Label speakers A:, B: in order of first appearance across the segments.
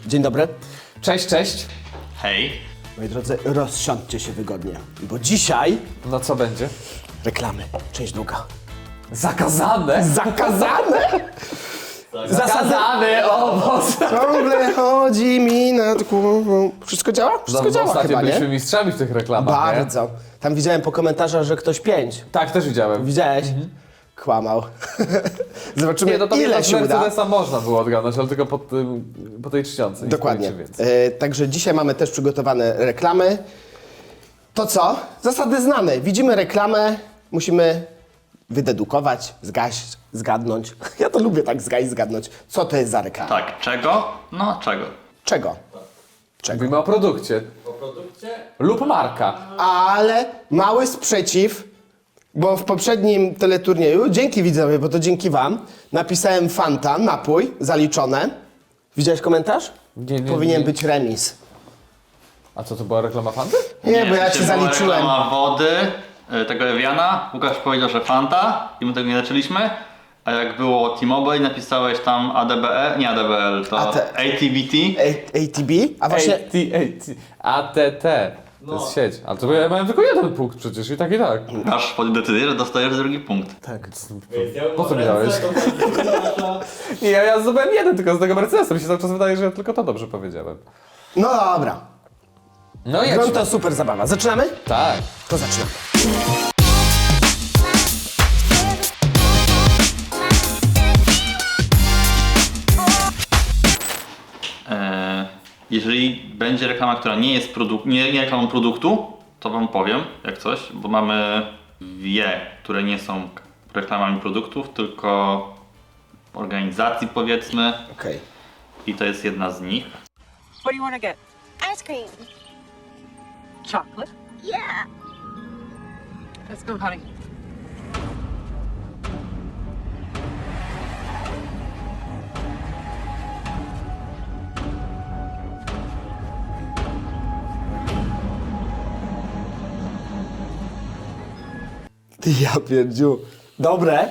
A: Dzień dobry.
B: Cześć, cześć.
C: Hej.
A: Moi drodzy, rozsiądźcie się wygodnie, bo dzisiaj
B: No co będzie?
A: reklamy, część druga.
B: Zakazane!
A: Zakazane?
B: Zakazany owoc!
A: Ciągle chodzi mi nad głową. Wszystko działa? Wszystko działa
B: Ostatnio
A: chyba,
B: byliśmy
A: nie?
B: mistrzami w tych reklamach, nie?
A: Bardzo. Tam widziałem po komentarzach, że ktoś 5.
B: Tak, też widziałem.
A: Widziałeś? Kłamał. Zobaczymy,
B: Nie, no to
A: ile
B: z
A: się uda.
B: Mercedesa można było odgadnąć, ale tylko po tej czcionce. nic
A: Dokładnie.
B: więcej.
A: Także dzisiaj mamy też przygotowane reklamy. To co? Zasady znane. Widzimy reklamę, musimy wydedukować, zgaść, zgadnąć. Ja to lubię tak zgaść, zgadnąć. Co to jest za reklama?
C: Tak, czego? No, czego?
A: Czego?
B: Mówimy o produkcie. O produkcie? Lub marka.
A: Ale mały sprzeciw, bo w poprzednim teleturnieju, dzięki widzowie, bo to dzięki wam, napisałem Fanta, napój, zaliczone. Widziałeś komentarz?
B: Nie,
A: Powinien
B: nie.
A: być remis.
B: A co, to była reklama Fanty?
A: Nie, bo ja ci
C: była
A: zaliczyłem.
C: reklama wody, tego Eviana. Łukasz powiedział, że Fanta i my tego nie leczyliśmy. A jak było T-Mobile, napisałeś tam ADBL, nie ADBL, to ATBT.
A: ATB? A właśnie...
B: ATT. To jest sieć. Ale to ja miałem tylko jeden punkt przecież i tak i tak.
C: Aż pod decyzję, że dostajesz drugi punkt.
A: Tak.
B: Po co mi dałeś? Nie, ja zdobyłem jeden tylko z tego Mercedesa. Mi się cały czas wydaje, że ja tylko to dobrze powiedziałem.
A: No dobra.
B: No i
A: Grunt to super zabawa. Zaczynamy?
B: Tak.
A: To zaczynamy.
C: Jeżeli będzie reklama, która nie jest nie reklamą produktu, to wam powiem, jak coś, bo mamy które nie są reklamami produktów, tylko organizacji, powiedzmy,
A: Okej.
C: i to jest jedna z nich.
D: What do you want to get?
E: Ice cream.
D: Chocolate?
E: Yeah.
D: Let's go, honey.
A: Ty ja pierdziu. Dobre?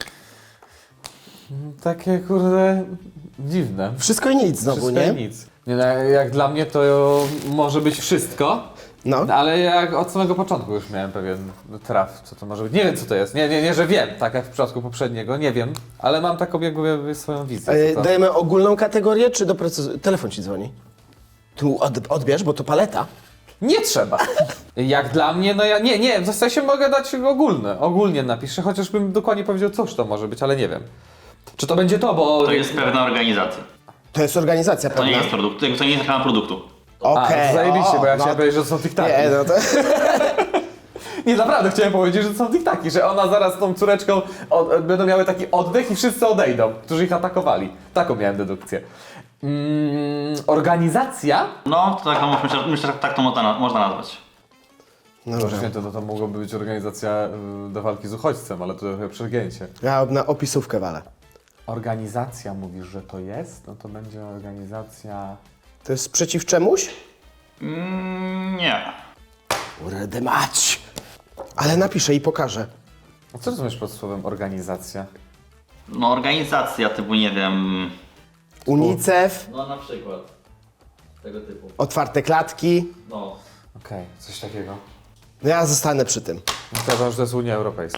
B: Takie kurde dziwne.
A: Wszystko i nic znowu,
B: Wszystko
A: nie?
B: i nic. Nie, no, jak dla mnie to może być wszystko,
A: No.
B: ale jak od samego początku już miałem pewien traf, co to może być. Nie wiem co to jest. Nie, że wiem, tak jak w przypadku poprzedniego, nie wiem, ale mam taką jakby swoją wizję. co to.
A: Dajemy ogólną kategorię, czy telefon ci dzwoni? Tu odbierz, bo to paleta.
B: Nie trzeba. Jak dla mnie, no ja nie, w zasadzie mogę dać ogólnie napiszę, chociażbym dokładnie powiedział, cóż to może być, ale nie wiem. Czy to będzie to, bo...
C: To jest pewna organizacja.
A: To jest organizacja
C: To
A: pewna.
C: nie jest produkt, to nie jest reklama produktu.
A: Okej.
B: to zajebiście, bo ja
A: no.
B: chciałem powiedzieć, że to są tiktaki.
A: Nie, no to...
B: Nie, naprawdę chciałem powiedzieć, że to są tiktaki, że ona zaraz z tą córeczką będą miały taki oddech i wszyscy odejdą, którzy ich atakowali. Taką miałem dedukcję. Organizacja?
C: No, to myślę, że tak to można nazwać.
A: Dobra.
B: Święte, to mogłoby być organizacja do walki z uchodźcem, ale to trochę przegięcie.
A: Ja na opisówkę walę.
B: Organizacja mówisz, że to jest? No to będzie organizacja...
A: To jest przeciw czemuś?
C: Nie.
A: Uredy mać. Ale napiszę i pokażę.
B: A co rozumiesz pod słowem organizacja?
C: No, organizacja typu, nie wiem...
A: UNICEF,
C: No, na przykład. Tego typu.
A: otwarte klatki.
C: No.
B: Okej, coś takiego.
A: No ja zostanę przy tym.
B: Uważam, że to jest Unia Europejska.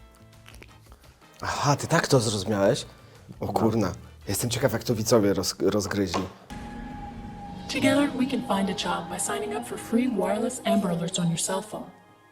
A: Aha, ty tak to zrozumiałeś? O kurna. Jestem ciekaw, jak to widzowie rozgryźli.
F: Together, we can find a job by signing up for free wireless Amber Alerts on your cell phone.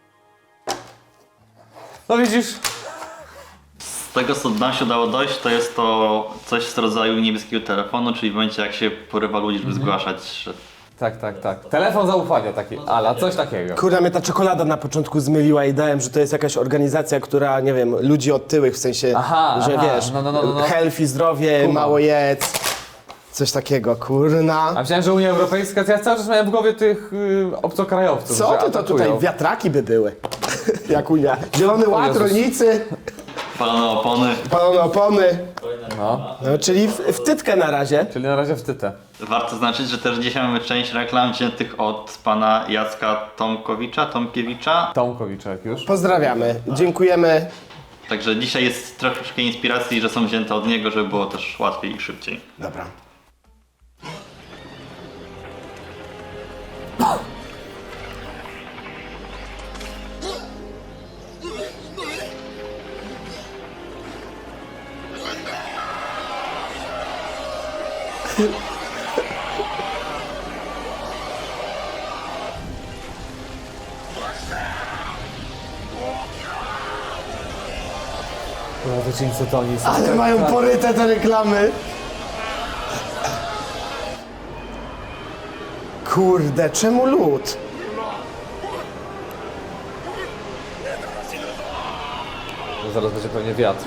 B: No widzisz?
C: Z tego, co nam się udało dojść, to jest to coś z rodzaju niebieskiego telefonu, czyli w momencie, jak się porywa ludzi, żeby zgłaszać, że...
B: Tak. Telefon zaufania taki, ala, coś takiego.
A: Kurna, mnie ta czekolada na początku zmyliła i dałem, że to jest jakaś organizacja, która, nie wiem, ludzi otyłych, w sensie, że wiesz,
B: no.
A: health i zdrowie,
B: Kumam.
A: mało jedz. Coś takiego, kurna.
B: A myślałem, że Unia Europejska, to ja cały czas miałem w głowie tych obcokrajowców,
A: Co
B: że
A: ty to
B: atakują.
A: tutaj, wiatraki by były. Jak Unia. Zielony Ład,
B: Jezus.
A: rolnicy,
C: Palone opony.
A: palone opony.
B: No,
A: No, czyli w tytkę na razie.
B: czyli na razie w tytę.
C: Warto zaznaczyć, że też dzisiaj mamy część reklam wziętych od pana Jacka Tomkiewicza.
B: Tomkowiczek już.
A: Pozdrawiamy, dziękujemy.
C: Także dzisiaj jest troszeczkę inspiracji, że są wzięte od niego, żeby było też łatwiej i szybciej.
A: Dobra.
B: No to czyńcy to oni są.
A: Ale mają poryte te reklamy. Kurde, czemu lód?
B: No zaraz będzie pewnie wiatr.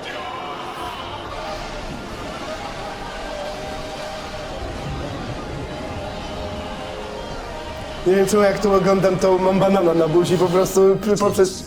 A: Nie wiem czemu jak tu oglądam, to mam banana na buzi po prostu poprzez...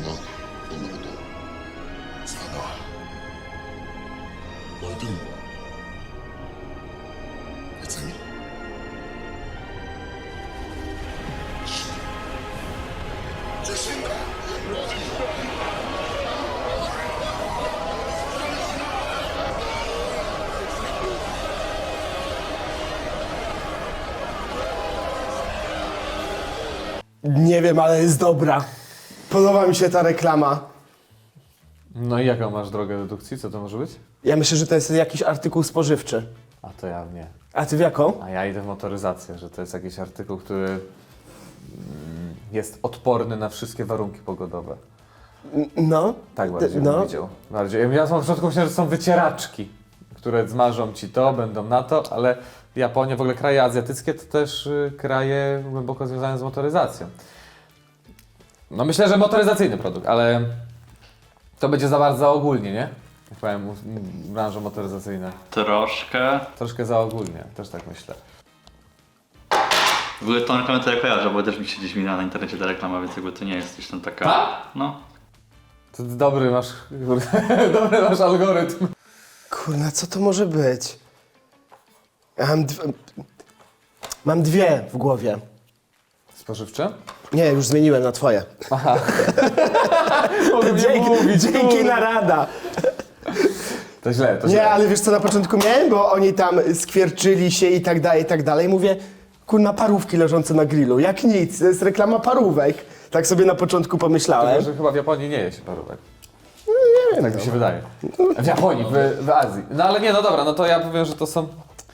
A: Nie wiem, ale jest dobra. Podoba mi się ta reklama.
B: No i jaką masz drogę dedukcji? Co to może być?
A: Ja myślę, że to jest jakiś artykuł spożywczy.
B: A to ja nie.
A: A ty w jaką?
B: A ja idę w motoryzację, że to jest jakiś artykuł, który jest odporny na wszystkie warunki pogodowe.
A: No.
B: Tak bardziej bym
A: no.
B: widział. Bardziej. Ja na początku myślałem, że są wycieraczki, które zmarzą ci to, będą na to, ale Japonia, w ogóle kraje azjatyckie to też kraje głęboko związane z motoryzacją. No myślę, że motoryzacyjny produkt, ale to będzie za bardzo ogólnie, nie? Jak powiem, branża motoryzacyjna.
C: Troszkę.
B: Troszkę za ogólnie, też tak myślę.
C: W ogóle tą reklamę to ja kojarzę, bo też mi się gdzieś minęła na internecie ta reklama, więc jakby to nie jest gdzieś tam taka...
B: Tak?
C: No.
B: To dobry masz, dobry masz algorytm.
A: Kurna, co to może być? Ja mam dwie w głowie.
B: Spożywcze?
A: Nie, już zmieniłem na twoje.
B: Mogę
A: Dzięki narada.
B: To źle, to
A: Nie,
B: źle.
A: ale wiesz co na początku miałem? Bo oni tam skwierczyli się i tak dalej, i tak dalej. Mówię, kurna, parówki leżące na grillu. Jak nic, to jest reklama parówek. Tak sobie na początku pomyślałem.
B: Tylko, że chyba w Japonii nie je się parówek. Tak mi się wydaje. W Japonii, w Azji. No ale nie, no dobra, no to ja powiem, że to są...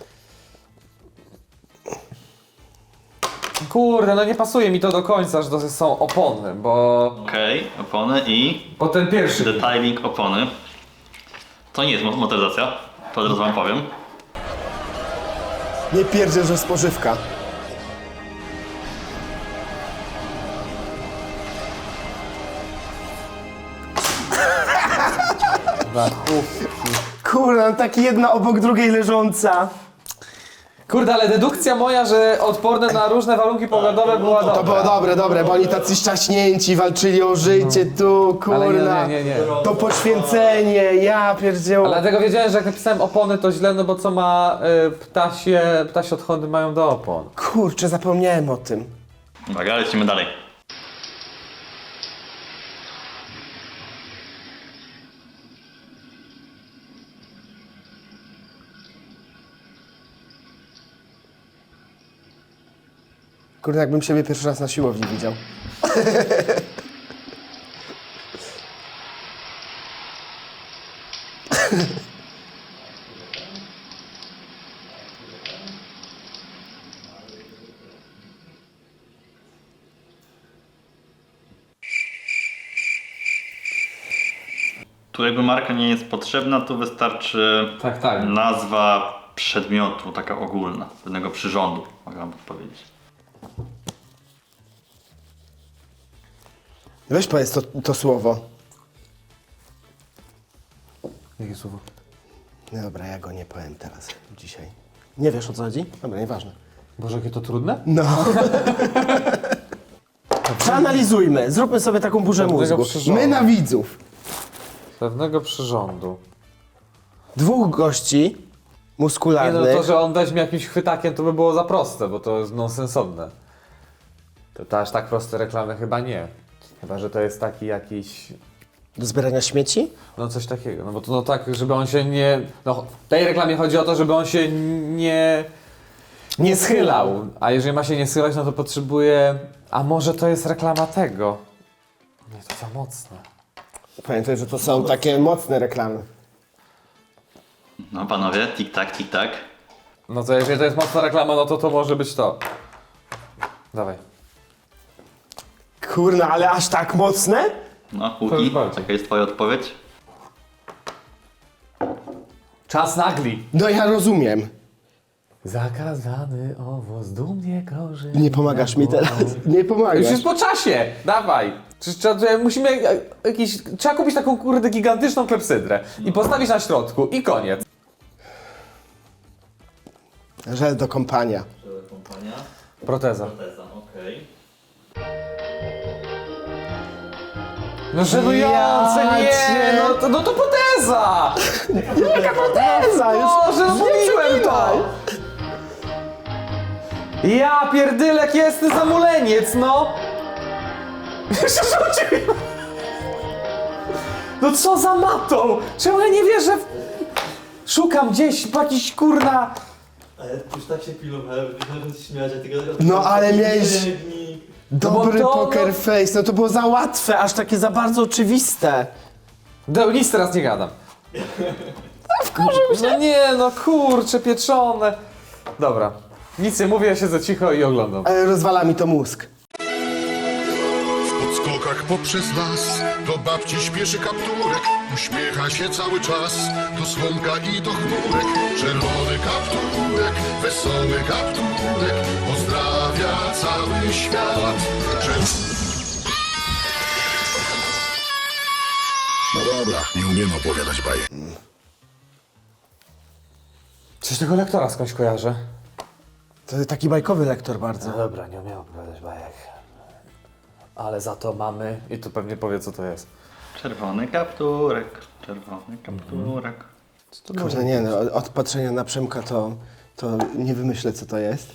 B: Kurde, no nie pasuje mi to do końca, że to są opony, bo...
C: Okej, opony i
B: Bo ten pierwszy...
C: detailing opony. To nie jest motoryzacja, to od razu wam powiem.
A: Nie pierdzę, że spożywka. Kurna, taki jedna obok drugiej leżąca.
B: Kurde, ale dedukcja moja, że odporne na różne warunki pogodowe była dobra.
A: To było dobre, bo oni tacy szczaśnięci walczyli o życie tu, kurna.
B: Ale nie.
A: To poświęcenie, ja pierdzieł.
B: Ale dlatego wiedziałem, że jak napisałem opony to źle, no bo co ma ptasie odchody mają do opon.
A: Kurczę, zapomniałem o tym.
C: Uwaga, lecimy dalej.
A: Kurde, jakbym siebie pierwszy raz na siłowni widział.
C: Tu jakby marka nie jest potrzebna, tu wystarczy
B: Tak.
C: nazwa przedmiotu, taka ogólna, pewnego przyrządu, mogę wam powiedzieć.
A: Weź powiedz to słowo.
B: Jakie słowo?
A: No dobra, ja go nie powiem teraz, dzisiaj. Nie wiesz o co chodzi? Dobra, nieważne.
B: Boże, jakie to trudne?
A: No. Przeanalizujmy, zróbmy sobie taką burzę
B: Pewnego
A: mózgu.
B: przyrządu.
A: My na widzów.
B: Pewnego przyrządu.
A: Dwóch gości
B: Nie
A: muskularnych.
B: no, to, że on weźmie jakimś chwytakiem, to by było za proste, bo to jest nonsensowne. To aż tak proste reklamy chyba nie. Chyba, że to jest taki jakiś...
A: Do zbierania śmieci?
B: No coś takiego, no bo to no tak, żeby on się nie... No w tej reklamie chodzi o to, żeby on się nie schylał. A jeżeli ma się nie schylać, no to potrzebuje... A może to jest reklama tego? Nie, to za mocne.
A: Pamiętaj, że to są takie mocne reklamy.
C: No panowie, tik-tak, tik-tak.
B: No to jeżeli to jest mocna reklama, no to może być to. Dawaj.
A: Kurna, ale aż tak mocne?
C: No,
B: To
C: Łuki,
B: już bardziej.
C: jaka jest twoja odpowiedź?
B: Czas nagli.
A: No ja rozumiem.
B: Zakazany owoc dumnie korzy.
A: Nie pomagasz mi teraz. Nie
B: Już
A: pomagasz.
B: jest po czasie! Dawaj! Musimy trzeba kupić taką kurde gigantyczną klepsydrę i postawić na środku i koniec.
A: Żel do kąpania.
C: Kompania.
B: Proteza.
C: Teza, okej.
B: No żenujące,
A: Ja
B: nie!
A: cię-
B: No to proteza!
A: Jaka proteza?
B: Boże,
A: nie
B: mówiłem to! Ja pierdylek jest zamuleniec, no! Jeszcze rzucił! No co za matą? Czemu ja nie wierzę w... Szukam gdzieś po jakiś kurna...
E: Ale już tak się pilnowałem, że się śmiać, a tego...
A: No ale miałeś dobry
B: bo to-
A: poker face. No to było za łatwe, aż takie za bardzo oczywiste.
B: Nic teraz nie gadam. No nie, no kurcze, pieczone. Dobra, nic nie mówię, ja siedzę cicho i oglądam.
A: Ale rozwala mi to mózg.
G: W podskokach poprzez las do babci śpieszy kapturek. Uśmiecha się cały czas do słonka i do chmurek. Czerwony kapturek, wesoły kapturek pozdrawia cały świat. No dobra, nie umiem opowiadać bajek.
B: Coś tego lektora skądś kojarzę.
A: To taki bajkowy lektor bardzo.
B: Dobra, nie umiem opowiadać bajek. Ale za to mamy... I tu pewnie powie, co to jest.
C: Czerwony kapturek, czerwony kapturek.
A: Kurde, nie no, od patrzenia na Przemka to nie wymyślę, co to jest.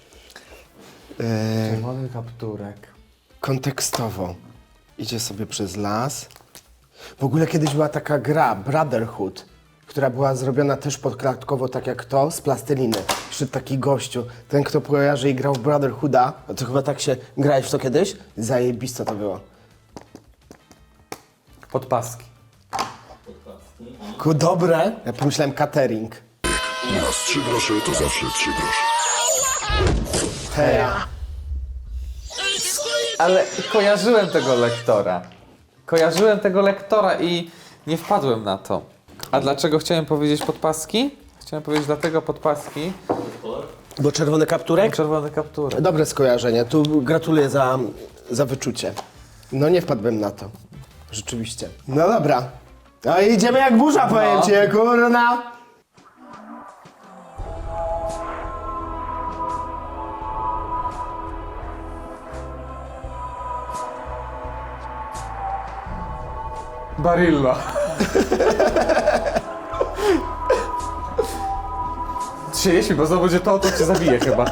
B: Czerwony kapturek.
A: Kontekstowo. Idzie sobie przez las. W ogóle kiedyś była taka gra, Brotherhood, która była zrobiona też podklatkowo, tak jak to, z plasteliny. Przyszedł taki gościu. Ten, kto kojarzy i grał w Brotherhooda, a to chyba tak się... Grałeś w to kiedyś? Zajebiste to było.
B: Podpaski.
A: Dobre. Ja pomyślałem catering.
G: U nas 3 grosze to zawsze 3 grosze.
A: Hej.
B: Ale kojarzyłem tego lektora i nie wpadłem na to. A dlaczego chciałem powiedzieć podpaski? Chciałem powiedzieć dlatego podpaski.
A: Bo czerwony kapturek?
B: Czerwony kapturek.
A: Dobre skojarzenie. Tu gratuluję za wyczucie. No nie wpadłem na to. Rzeczywiście. No dobra. No i idziemy jak burza, powiem ci, kurna.
B: Barilla. Się jeśli, bo znowu będzie to cię zabije chyba.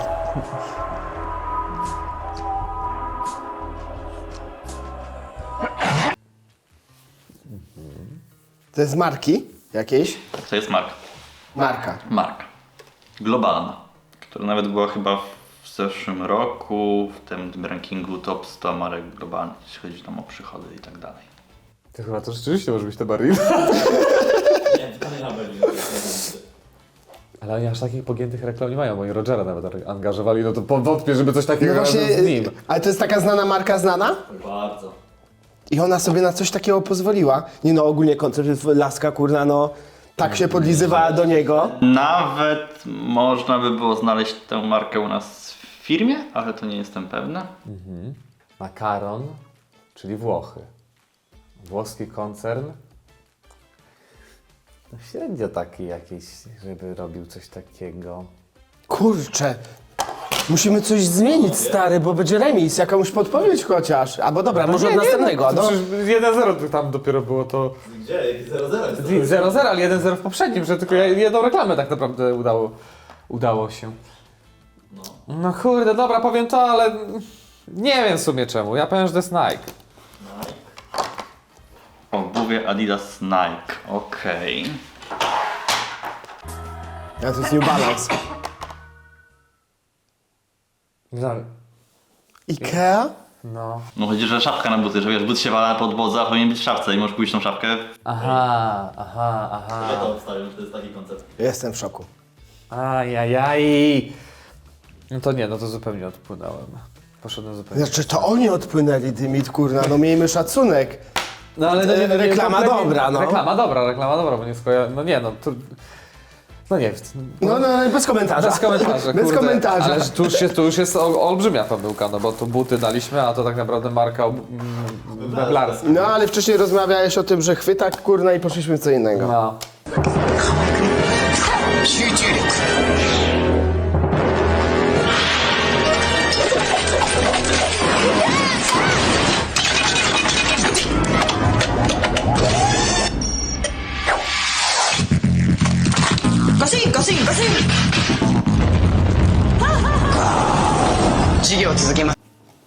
A: To jest marki jakiejś?
C: To jest
A: Marka.
C: marka globalna, która nawet była chyba w zeszłym roku w tym rankingu top 100 marek globalnych, jeśli chodzi tam o przychody i tak dalej.
B: To chyba to rzeczywiście może być te Barilla.
E: Nie, to nie Hamburg.
B: Ale oni aż takich pogiętych reklam nie mają, bo i Rogera nawet angażowali, no to wątpię, żeby coś
A: No
B: takiego
A: właśnie,
B: razem z nim.
A: ale to jest taka znana marka, znana?
E: Bardzo.
A: I ona sobie na coś takiego pozwoliła. Nie no, ogólnie koncept laska, kurna, no tak się podlizywała do niego.
C: Nawet można by było znaleźć tę markę u nas w firmie, ale to nie jestem pewny.
B: Makaron, czyli Włochy. Włoski koncern. No średnio taki jakiś, żeby robił coś takiego.
A: Kurczę. Musimy coś zmienić, stary, bo będzie remis, jakąś podpowiedź chociaż. Albo dobra, może od następnego. No.
B: Przecież 1-0 tam dopiero było to...
E: Gdzie? 0-0 jest to.
B: 0-0, ale 1-0 w poprzednim, że tylko jedną reklamę tak naprawdę udało się. No kurde, dobra, powiem to, ale nie wiem w sumie czemu. Ja powiem, że to jest Nike.
C: Obuwie Adidas Nike, okej.
A: A to jest New Balance. Ikea?
B: No.
C: No chodzi, że szafka na buty, że wiesz, but się wala na podłodze, a powinien być w szafce i możesz pójść tą szafkę.
B: Aha.
E: Ja to obstawiam, że to jest taki koncept.
A: Jestem w szoku.
B: Ajajaj. No to nie, no to zupełnie odpłynąłem. Poszedłem zupełnie.
A: Znaczy to oni odpłynęli, Dymit, kurna, no miejmy szacunek.
B: No ale no,
A: Reklama
B: kompletnie-
A: dobra, no.
B: Reklama dobra, bo nie no nie, no tu... No nie,
A: No, bez komentarza.
B: bez komentarza,
A: Bez
B: kurde.
A: komentarza.
B: Ale tu już jest olbrzymia pomyłka, no bo tu buty daliśmy, a to tak naprawdę marka meblarska.
A: No ale wcześniej rozmawiałeś o tym, że chwytak, kurna, i poszliśmy w co innego.
B: No.
H: 集中力 ガシンガシンガシン授業続けます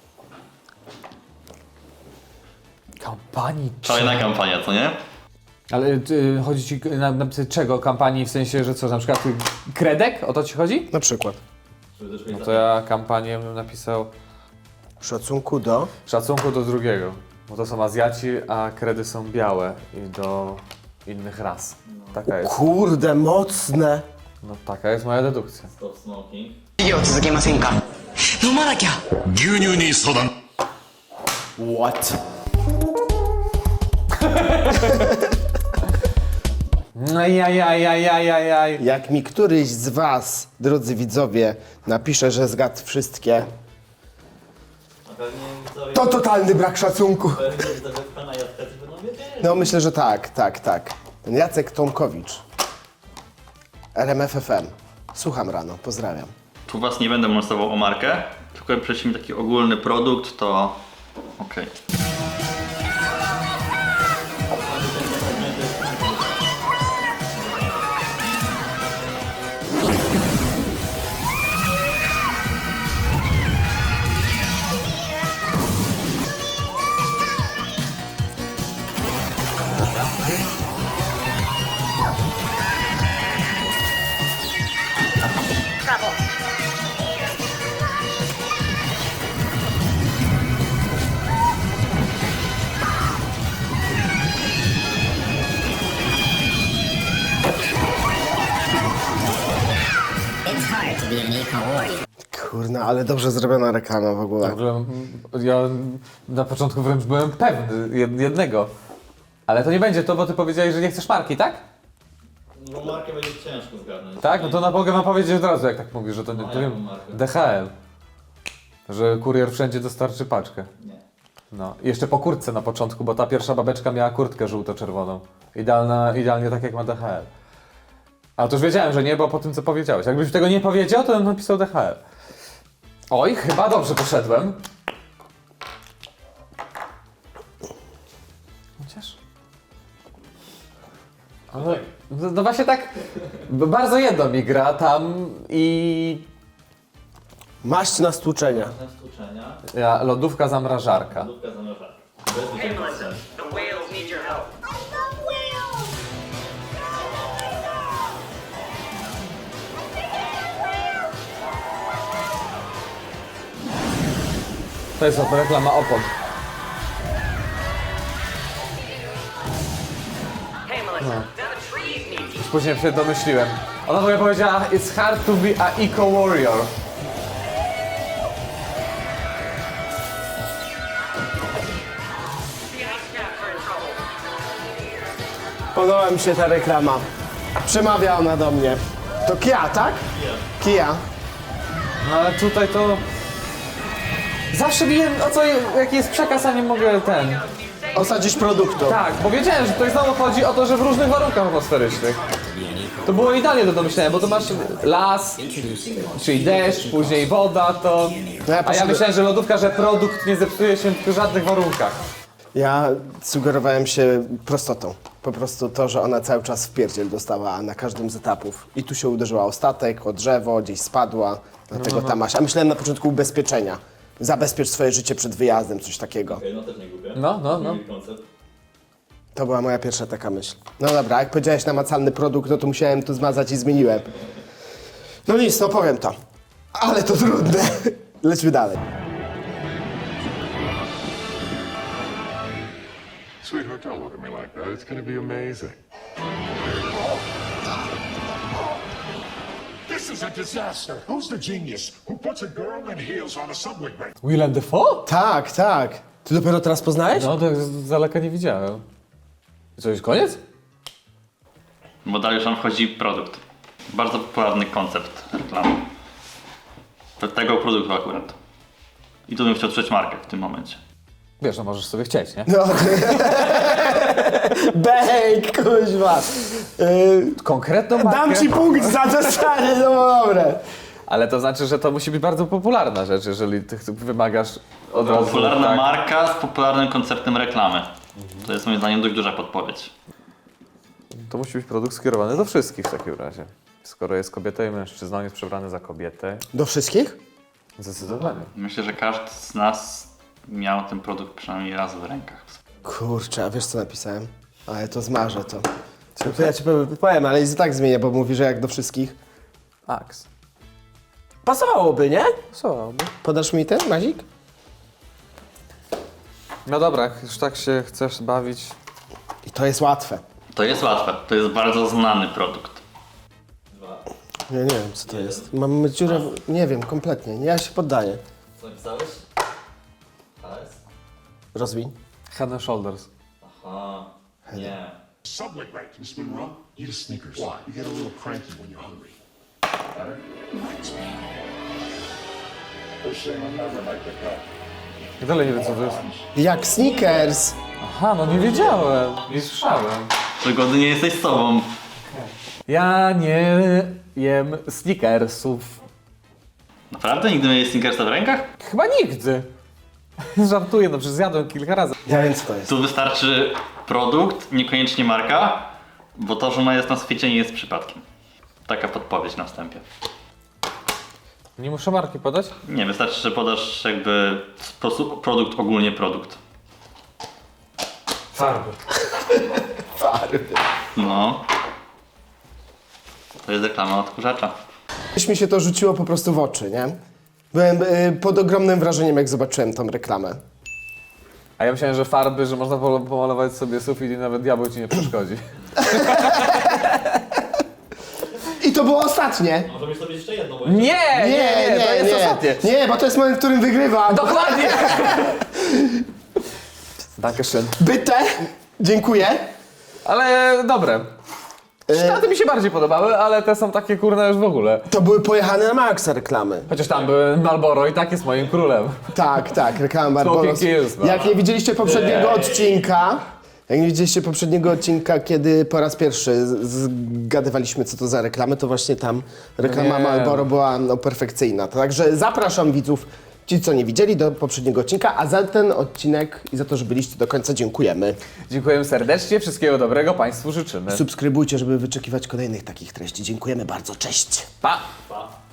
B: Kampanii
C: Szalona kampania, co nie?
B: Ale chodzi ci na czego? Kampanii w sensie, że co, na przykład kredek? O to ci chodzi?
A: Na przykład.
B: No to ja kampanię bym napisał
A: W szacunku do...
B: szacunku do drugiego. Bo to są Azjaci, a kredy są białe i do innych ras. Taka jest.
A: Kurde, mocne.
B: No taka jest moja dedukcja.
C: Stop smoking.
H: 授業続けませんか飲まなきゃ
G: 牛乳に相談
A: What?
B: Ajajajajajajaj.
A: Jak mi któryś z was, drodzy widzowie, napisze, że zgadł wszystkie,
E: A pewnie widzowie,
A: to totalny brak szacunku.
E: pewnie widzowie pana Jacka ci będą wiedzieli.
A: No myślę, że tak. Ten Jacek Tomkowicz. RMFFM. Słucham rano, pozdrawiam.
C: Tu was nie będę molestował o markę, tylko jak prześlemy taki ogólny produkt, to okej.
I: It's hard to be an eco-warrior.
A: Kurna, ale dobrze zrobiona reklama w ogóle.
B: W ogóle, ja na początku wręcz byłem pewny jednego. Ale to nie będzie to, bo ty powiedziałeś, że nie chcesz marki, tak?
E: No markę będzie ciężko zgadnąć.
B: Tak? No to mogę wam powiedzieć od razu, jak tak mówisz, że to nie...
E: No,
B: To
E: jaką
B: wiem,
E: markę?
B: DHL. Że kurier wszędzie dostarczy paczkę.
E: Nie.
B: No. I jeszcze po kurtce na początku, bo ta pierwsza babeczka miała kurtkę żółto-czerwoną. Idealnie tak jak ma DHL. A to już wiedziałem, że nie, bo po tym co powiedziałeś. Jakbyś tego nie powiedział, to bym napisał DHL. Oj, chyba dobrze poszedłem. Chociaż... Ale, no właśnie tak, bardzo jedno mi gra tam i...
A: Maść na stłuczenia.
E: Na stłuczenia,
B: Ja, lodówka, zamrażarka.
E: lubka zamrażarka. Bez wyciągnięcia.
H: The whales need your help.
B: To jest reklama opon.
H: Hey Melissa, now the trees need you.
B: Później się domyśliłem. Ona w ogóle powiedziała, it's hard to be a eco-warrior.
H: The ice caps are in trouble.
A: Podoba mi się ta reklama. Przemawia ona do mnie. To Kia, tak? Kia.
B: No ale tutaj to... Zawsze wiem o co, jaki jest przekaz, a nie mogę ten...
A: Osadzić produktu.
B: Tak, bo wiedziałem, że tutaj znowu chodzi o to, że w różnych warunkach atmosferycznych. To było idealnie do domyślenia, bo to masz las, czyli deszcz, później woda, to...
A: No ja
B: A ja
A: poszedłem-
B: myślałem, że lodówka, że produkt nie zepsuje się w żadnych warunkach.
A: Ja sugerowałem się prostotą. Po prostu to, że ona cały czas wpierdziel dostała na każdym z etapów. I tu się uderzyła o statek, o drzewo, gdzieś spadła. Dlatego ta maść. A myślałem na początku ubezpieczenia. Zabezpiecz swoje życie przed wyjazdem, coś takiego.
E: Okej, no też nie głupie.
B: No.
E: Mieli koncept.
A: To była moja pierwsza taka myśl. No dobra, jak powiedziałeś namacalny produkt, no to musiałem tu zmazać i zmieniłem. No nic, no powiem to. Ale to trudne. Lećmy dalej.
G: Sweetheart, don't look at me like that. It's gonna be amazing. This is a disaster. Who's the genius who puts a girl in heels on a subway train?
B: Willem Dafoe?
A: Tak, tak. Ty dopiero teraz poznałeś?
B: No to z daleka nie widziałem. I co, już koniec?
C: Bo dalej już nam wchodzi produkt. Bardzo popularny koncept reklamy. Tego produktu akurat. I tu bym chciał trzeć markę w tym momencie.
B: Wiesz, no możesz sobie chcieć, nie?
A: No. Bejk, kuźwa.
B: Konkretną markę.
A: Dam ci punkt za to, stary, no dobre.
B: Ale to znaczy, że to musi być bardzo popularna rzecz, jeżeli ty wymagasz od razu...
C: Popularna
B: tak.
C: marka z popularnym konceptem reklamy. To jest moim zdaniem dość duża podpowiedź.
B: To musi być produkt skierowany do wszystkich w takim razie. Skoro jest kobietą i mężczyzną, jest przebrany za kobietę.
A: Do wszystkich?
B: Zdecydowanie.
C: Myślę, że każdy z nas miał ten produkt przynajmniej raz w rękach.
A: Kurczę, a wiesz co napisałem? Ale to zmarzę to. To ja ci powiem, ale i tak zmienię, bo mówi, że jak do wszystkich.
B: Axe.
A: Pasowałoby, nie?
B: Pasowałoby.
A: Podasz mi ten, Mazik?
B: No dobra, jak już tak się chcesz bawić...
A: I to jest łatwe.
C: To jest łatwe. To jest bardzo znany produkt.
A: Ja nie wiem, co to jest. Mam dziurę, nie wiem, kompletnie. Ja się poddaję.
E: Co napisałeś? HS?
A: Rozwiń.
B: Head and Shoulders.
E: Aha. Nie.
G: Subway right, Miss Monroe. Eat a Snickers. Why? You get a little cranky when you're hungry. Better?
B: I dalej nie wiem, co to jest.
A: Jak Snickers.
B: Aha, no nie wiedziałem. Nie słyszałem.
C: Przygody nie jesteś sobą.
B: Ja nie jem Snickersów.
C: Naprawdę? Nigdy nie miałeś Snickersa w rękach?
B: Chyba nigdy. Żartuję, no przecież zjadłem kilka razy.
A: Ja wiem, co to jest.
C: Tu wystarczy produkt, niekoniecznie marka, bo to, że ona jest na świecie, nie jest przypadkiem. Taka podpowiedź na wstępie.
B: Nie muszę marki podać?
C: Nie, wystarczy, że podasz jakby sposób, produkt, ogólnie produkt.
B: Farby.
C: No. To jest reklama odkurzacza.
A: Już mi się to rzuciło po prostu w oczy, nie? Byłem pod ogromnym wrażeniem, jak zobaczyłem tą reklamę.
B: A ja myślałem, że farby, że można pomalować sobie sufit i nawet diabeł ci nie przeszkodzi.
A: I to było ostatnie.
E: Możemy sobie jeszcze jedno, bo
B: Nie, to jest ostatnie.
A: Nie, bo to jest moment, w którym wygrywam.
B: Dokładnie! Dankeschön.
A: Byte. Dziękuję.
B: Ale dobre. Te mi się bardziej podobały, ale te są takie kurne już w ogóle.
A: To były pojechane na maksa reklamy.
B: Chociaż tam były Marlboro i tak jest moim królem.
A: Tak, tak, reklama Barbaros.
B: Smoking Kills, no.
A: Jak nie widzieliście poprzedniego odcinka, kiedy po raz pierwszy zgadywaliśmy, co to za reklamy, to właśnie tam reklama
B: Nie.
A: Marlboro była perfekcyjna. Także zapraszam widzów, ci co nie widzieli, do poprzedniego odcinka, a za ten odcinek i za to, że byliście do końca dziękujemy.
B: Dziękujemy serdecznie, wszystkiego dobrego Państwu życzymy.
A: Subskrybujcie, żeby wyczekiwać kolejnych takich treści. Dziękujemy bardzo, cześć!
B: Pa!
E: Pa.